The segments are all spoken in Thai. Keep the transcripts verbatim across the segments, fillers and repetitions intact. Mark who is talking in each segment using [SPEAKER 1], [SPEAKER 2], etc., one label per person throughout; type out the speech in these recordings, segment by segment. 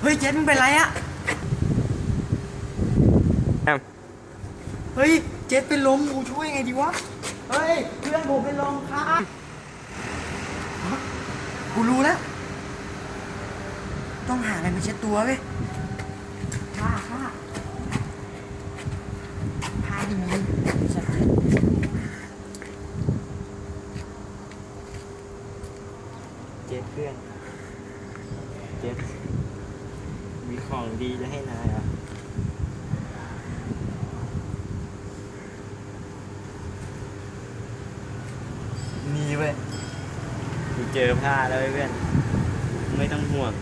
[SPEAKER 1] ฮ้ยเจสมึงเป็นไรอะเฮ้ยเจสเป็นลมกูช่วยไงดีวะเฮ้ยเพื่อนผมเป็นลมครับกูรู้แล้วต้องหาอะไรมาเช็ดตัวเว้ยผ้าผ้าผ้าดีสัตว์เจ็ดเพื่อนเจ็ดมีของดีจะให้นายอ่ะนี่เว้ยกูเจอผ้าแล้วเพื่อนไม่ต้องห่วง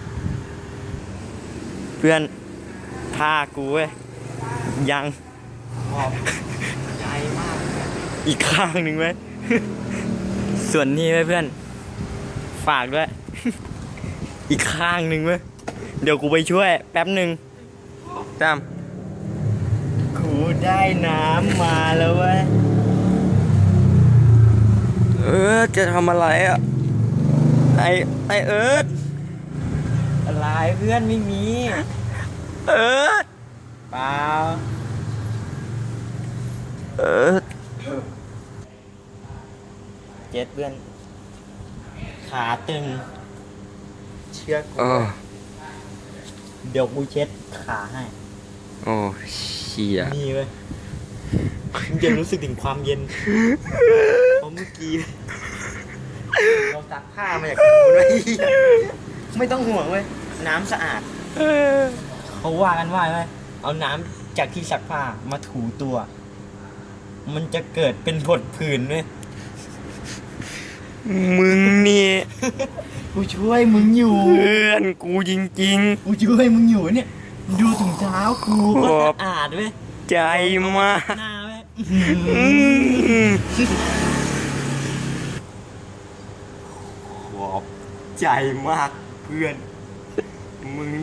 [SPEAKER 1] เพื่อนผ้ากูเว้ยยังขอบใจมากอีกข้างหนึ่งเว้ยส่วนนี้เว้ยเพื่อนฝากด้วยอีกข้างหนึ่งเว้ยเดี๋ยวกูไปช่วยแป๊บหนึ่งตามกูได้น้ำมาแล้วเว้ยเออจะทำอะไรอ่ะไอไอเอิร์ธอะไรเพื่อนไม่มีเอิร์ธเปล่าเอิร์ธเจ็ดเพื่อนขาตึงเชือกกูเดี๋ยวกูเช็ดขาให้โอ้เชี่ยนี่เว้ยมึงจะรู้สึกถึงความเย็นเพราะเมื่อกี้เราซักผ้ามาจากกูด้วยไม่ต้องห่วงเว้ยน้ำสะอาดเขาว่ากันว่าไงเอาน้ำจากที่ซักผ้ามาถูตัวมันจะเกิดเป็นผดผื่นเว้ยมึงนี่กูช่วยมึงอยู่เพื่อนกูจริงๆกูช่วยมึงอยู่เนี่ยดูถุงเท้ากูก็สะอาดเว้ยใจมากหน้าเว้ยขอบใจมากเพื่อนมึง